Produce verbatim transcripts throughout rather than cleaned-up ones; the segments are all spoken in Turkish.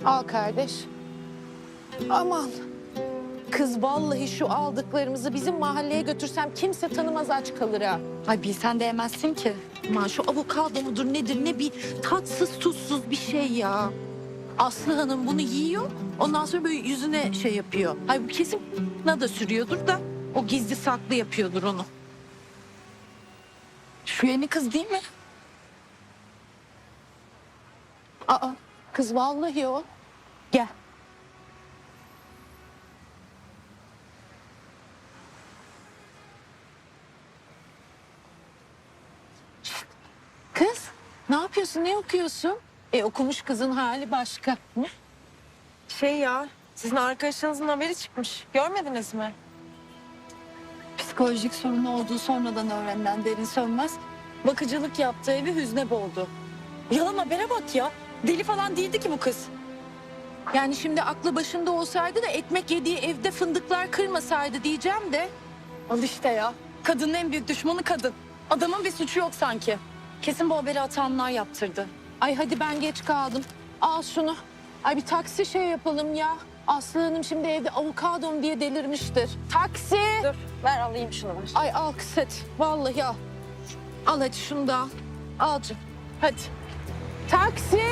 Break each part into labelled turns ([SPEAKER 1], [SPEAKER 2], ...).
[SPEAKER 1] Al kardeş. Aman. Kız vallahi şu aldıklarımızı bizim mahalleye götürsem kimse tanımaz, aç kalır ha.
[SPEAKER 2] Ay bilsen de yemezsin ki.
[SPEAKER 1] Aman şu avokado mudur nedir, ne bir tatsız tuzsuz bir şey ya. Aslı Hanım bunu yiyor, ondan sonra böyle yüzüne şey yapıyor. Ay bu kesin na da sürüyordur da o gizli saklı yapıyordur onu.
[SPEAKER 2] Şu yeni kız değil mi?
[SPEAKER 1] Aa, kız vallahi o. Gel. Şişt. Kız, ne yapıyorsun, ne okuyorsun? E okumuş kızın hali başka. Hı?
[SPEAKER 3] Şey ya, sizin arkadaşınızın haberi çıkmış. Görmediniz mi?
[SPEAKER 2] Psikolojik sorunu olduğu sonradan öğrenilen Derin Sönmez bakıcılık yaptığı evi hüzne boğdu. Yalan habere bak ya. Deli falan değildi ki bu kız.
[SPEAKER 1] Yani şimdi aklı başında olsaydı da ekmek yediği evde fındıklar kırmasaydı diyeceğim de.
[SPEAKER 2] Al işte ya. Kadının en büyük düşmanı kadın. Adamın bir suçu yok sanki. Kesin bu haberi atanlar yaptırdı.
[SPEAKER 1] Ay hadi ben geç kaldım. Al şunu. Ay bir taksi şey yapalım ya. Aslı Hanım şimdi evde avokadom diye delirmiştir. Taksi.
[SPEAKER 3] Dur, ver alayım şunu ver.
[SPEAKER 1] Ay al kız hadi. Vallahi al. Al hadi şunu da al. Al canım. Hadi. Taksi.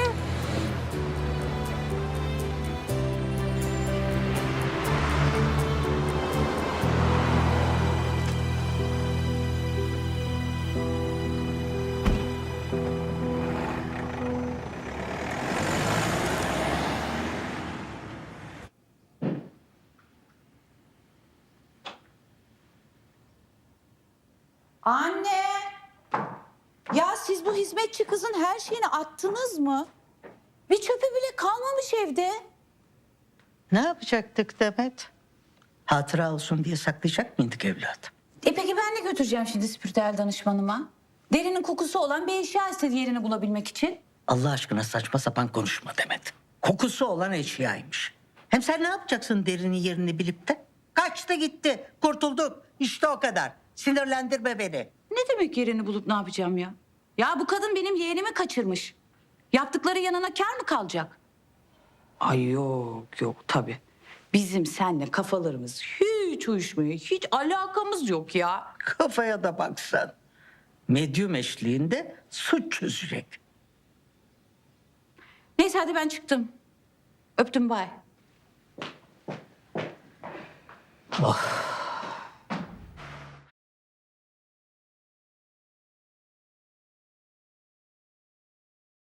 [SPEAKER 4] Anne! Ya siz bu hizmetçi kızın her şeyini attınız mı? Bir çöpü bile kalmamış evde.
[SPEAKER 5] Ne yapacaktık Demet? Hatıra olsun diye saklayacak mıydık evlat?
[SPEAKER 4] E peki ben de götüreceğim şimdi spiritüel danışmanıma. Derinin kokusu olan bir eşya istedi yerini bulabilmek için.
[SPEAKER 5] Allah aşkına saçma sapan konuşma Demet. Kokusu olan eşyaymış. Hem sen ne yapacaksın derinin yerini bilip de? Kaçtı gitti, kurtulduk. İşte o kadar. Sinirlendirme beni.
[SPEAKER 4] Ne demek yerini bulup ne yapacağım ya? Ya bu kadın benim yeğenimi kaçırmış. Yaptıkları yanına kâr mı kalacak? Ay yok yok tabii. Bizim seninle kafalarımız hiç uyuşmuyor. Hiç alakamız yok ya.
[SPEAKER 5] Kafaya da baksan. Medyum eşliğinde suç çözecek.
[SPEAKER 4] Neyse hadi ben çıktım. Öptüm bay.
[SPEAKER 5] Oh.